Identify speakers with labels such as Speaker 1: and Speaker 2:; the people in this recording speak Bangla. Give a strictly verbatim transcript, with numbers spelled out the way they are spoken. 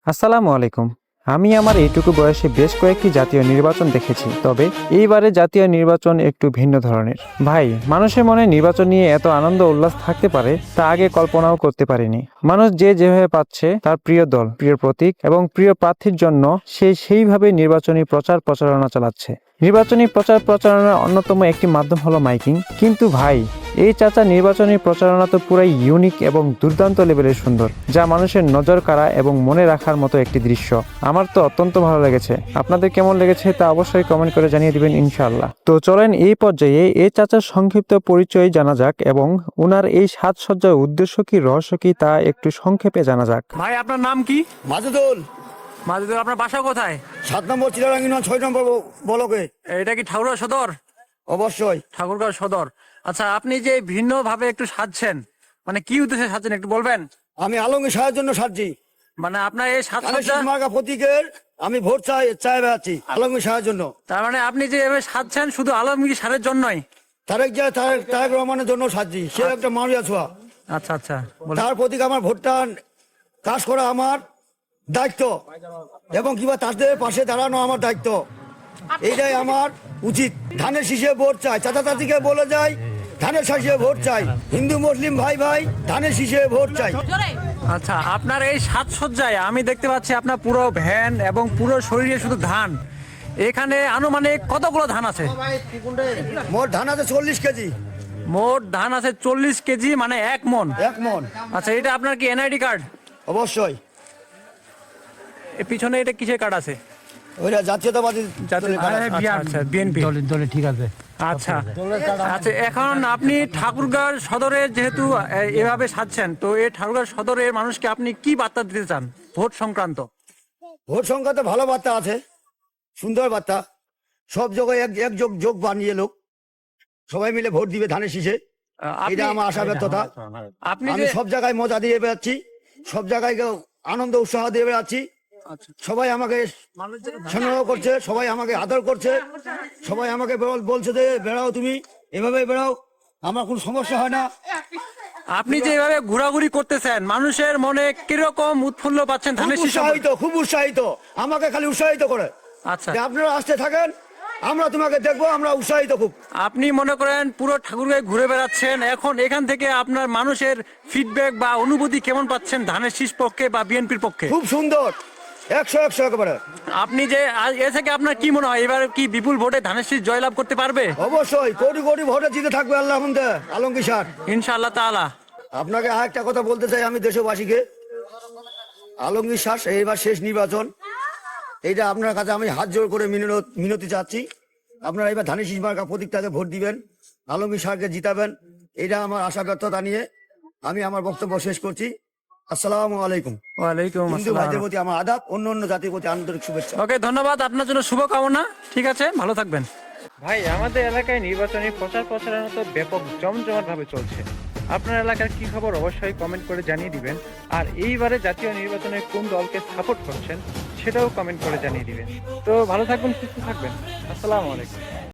Speaker 1: আসসালামু আলাইকুম। আমি আমার এইটুকু বয়সে বেশ কয়েকটি জাতীয় নির্বাচন দেখেছি, তবে এইবারে জাতীয় নির্বাচন একটু ভিন্ন ধরনের। ভাই, মানুষের মনে নির্বাচন নিয়ে এত আনন্দ উল্লাস থাকতে পারে তা আগে কল্পনাও করতে পারিনি। মানুষ যে যেভাবে পাচ্ছে তার প্রিয় দল, প্রিয় প্রতীক এবং প্রিয় প্রার্থীর জন্য সে সেইভাবে নির্বাচনী প্রচার প্রচারণা চালাচ্ছে। নির্বাচনী প্রচার প্রচারণার অন্যতম একটি মাধ্যম হলো মাইকিং। কিন্তু ভাই, এই চাচা নির্বাচনী প্রচারণা তো পুরাই ইউনিক এবং দুর্দান্ত লেভেলের সুন্দর, যা মানুষের নজর কাড়া এবং মনে রাখার মতো একটি দৃশ্য। আমার তো অত্যন্ত ভালো লেগেছে। আপনাদের কেমন লেগেছে তা অবশ্যই কমেন্ট করে জানিয়ে দিবেন ইনশাআল্লাহ। তো চলেন এই পর্যায়ে এই চাচার সংক্ষিপ্ত পরিচয় জানা যাক এবং উনার এই সাজসজ্জার উদ্দেশ্য কি, রহস্য কি তা একটু সংক্ষেপে জানা যাক।
Speaker 2: ভাই, আপনার নাম কি?
Speaker 3: মাজেদুল।
Speaker 2: মাজেদুল, আপনার বাসা কোথায়?
Speaker 3: সাত নম্বর চিলারাঙ্গিনা ছয় নম্বর ব- বলকে।
Speaker 2: এটা কি ঠাকুরগাঁও সদর?
Speaker 3: অবশ্যই।
Speaker 2: ঠাকুরগাঁও সদর। আচ্ছা, আপনি যে ভিন্ন ভাবে একটু সাজছেন, মানে কি উদ্দেশ্যে সাজছেন একটু বলবেন?
Speaker 3: আমি আলমগীর সাহের জন্য সাজছি।
Speaker 2: মানে আপনার এই সাজসজ্জা,
Speaker 3: ধানের মার্কা প্রতীকের আমি ভোট চাই চাই বেড়াচ্ছি আলমগীর সাহের জন্য।
Speaker 2: তার মানে আপনি যে এভাবে সাজছেন শুধু আলমগীর সারের জন্যই?
Speaker 3: তারেক জিয়া তারেক তারেক রহমানের জন্য সাজছি। সে একটা মারিয়া ছোঁয়া।
Speaker 2: আচ্ছা আচ্ছা, বলেন।
Speaker 3: তার প্রতীক আমার ভোটটা কাজ করা আমার দায়িত্ব এবং কিবা তাদের পাশে দাঁড়ানো আমার দায়িত্ব। এইটাই আমার উচিত। ধানের শীষে ভোট চাই। চাচা চাচিকে বলে যাই ধানের শীষে ভোট চাই। হিন্দু মুসলিম ভাই ভাই ধানের শীষে ভোট চাই।
Speaker 2: আচ্ছা, আপনার এই সাজসজ্জায় আমি দেখতে পাচ্ছি আপনার পুরো ভ্যান এবং পুরো শরীরে শুধু ধান। এখানে আনুমানিক কতগুলো ধান আছে?
Speaker 3: মোট ধান আছে চল্লিশ কেজি।
Speaker 2: মোট ধান আছে চল্লিশ কেজি, মানে এক মন।
Speaker 3: এক মন।
Speaker 2: আচ্ছা, এটা আপনার কি এনআইডি কার্ড?
Speaker 3: অবশ্যই।
Speaker 2: এর পিছনে এটা কিসের কার্ড আছে?
Speaker 3: ওইটা জাতীয়তাবাদী
Speaker 2: জাতীয়-
Speaker 3: দলের কাজ।
Speaker 2: আচ্ছা, আচ্ছা, বিএনপি
Speaker 4: দলে ঠিক আছে।
Speaker 2: আচ্ছা আচ্ছা, এখন আপনি ঠাকুরগাঁও সদরে যেহেতু এ, এভাবে সাজছেন, তো এই ঠাকুরগাঁও সদরের মানুষকে আপনি কি বার্তা দিতে চান ভোট সংক্রান্ত?
Speaker 3: ভোট সংখ্যাতে ভালো বার্তা আছে, সুন্দর বার্তা। সব জায়গায় এক এক যোগ যোগ বানিয়ে লোক সবাই মিলে ভোট দিবে ধানের শীষে।
Speaker 2: আপনি-
Speaker 3: এটা আমার আশা ব্যর্থতা।
Speaker 2: আপনি
Speaker 3: আমি
Speaker 2: যে
Speaker 3: সব জায়গায় মজা দিয়ে বেড়াচ্ছি, সব জায়গায় আনন্দ উৎসাহ দিয়ে বেড়াচ্ছি।
Speaker 2: আচ্ছা,
Speaker 3: সবাই আমাকে স্নেহ করছে, সবাই আমাকে আদর করছে, সবাই আমাকে বল- বলছে যে বেড়াও তুমি, এভাবে বেড়াও, আমার কোনো সমস্যা হয় না।
Speaker 2: আপনি যে এভাবে ঘোরাঘুরি করতেছেন, মানুষের মনে কিরকম উৎফুল্ল পাচ্ছেন
Speaker 3: খুব
Speaker 2: ধানের শীষ সম্পর্কে?
Speaker 3: উৎসাহিত, খুব উৎসাহিত, আমাকে খালি উৎসাহিত করে
Speaker 2: আচ্ছা,
Speaker 3: যে আপনারা আসতে থাকেন, আমরা তোমাকে দেখবো, আমরা উৎসাহিত খুব।
Speaker 2: আপনি মনে করেন পুরো ঠাকুরগাঁও ঘুরে বেড়াচ্ছেন, এখন এখান থেকে আপনার মানুষের ফিডব্যাক বা অনুভূতি কেমন পাচ্ছেন ধানের শীষ পক্ষে বা বিএনপির পক্ষে?
Speaker 3: খুব সুন্দর, একশো একশো একেবারে।
Speaker 2: আপনি যে আজ এ থেকে আপনার কি মনে হয় এবার কি বিপুল ভোটে ধানের শীষ জয়লাভ করতে পারবে?
Speaker 3: অবশ্যই কোটি কোটি ভোটে জিতে থাকবে আল্লাহ হামদে আলমগীর স্যার।
Speaker 2: ইনশাআল্লাহ তাআলা।
Speaker 3: আপনাকে আর একটা কথা বলতে চাই আমি দেশবাসীকে, আলমগীর স্যার এইবার শেষ নির্বাচন, এইটা আপনার কাছে আমি হাত জোর করে মিনতি মিনতি চাচ্ছি, আপনারা এবার ধানের শীষ মার্কা প্রতীকটাকে ভোট দিবেন, আলমগীর স্যারকে জিতাবেন। এটা আমার আশা ব্যর্থতা নিয়ে আমি আমার বক্তব্য শেষ করছি। আসসালামু আলাইকুম।
Speaker 2: ওয়ালাইকুম
Speaker 3: হিন্দু
Speaker 2: আসসালাম।
Speaker 3: ভাইদের প্রতি আমার আদাব, অন্য অন্য জাতির প্রতি আন্তরিক শুভেচ্ছা।
Speaker 2: ওকে, ধন্যবাদ, আপনার জন্য শুভকামনা। ঠিক আছে, ভালো থাকবেন।
Speaker 1: ভাই, আমাদের এলাকায় নির্বাচনী প্রচার প্রচারণা তো ব্যাপক জমজমাট ভাবে চলছে। আপনার এলাকার কি খবর অবশ্যই কমেন্ট করে জানিয়ে দিবেন। আর এইবারে জাতীয় নির্বাচনে কোন দলকে সাপোর্ট করছেন সেটাও কমেন্ট করে জানিয়ে দিবেন। তো ভালো থাকবেন, সুস্থ থাকবেন। আসসালামু আলাইকুম।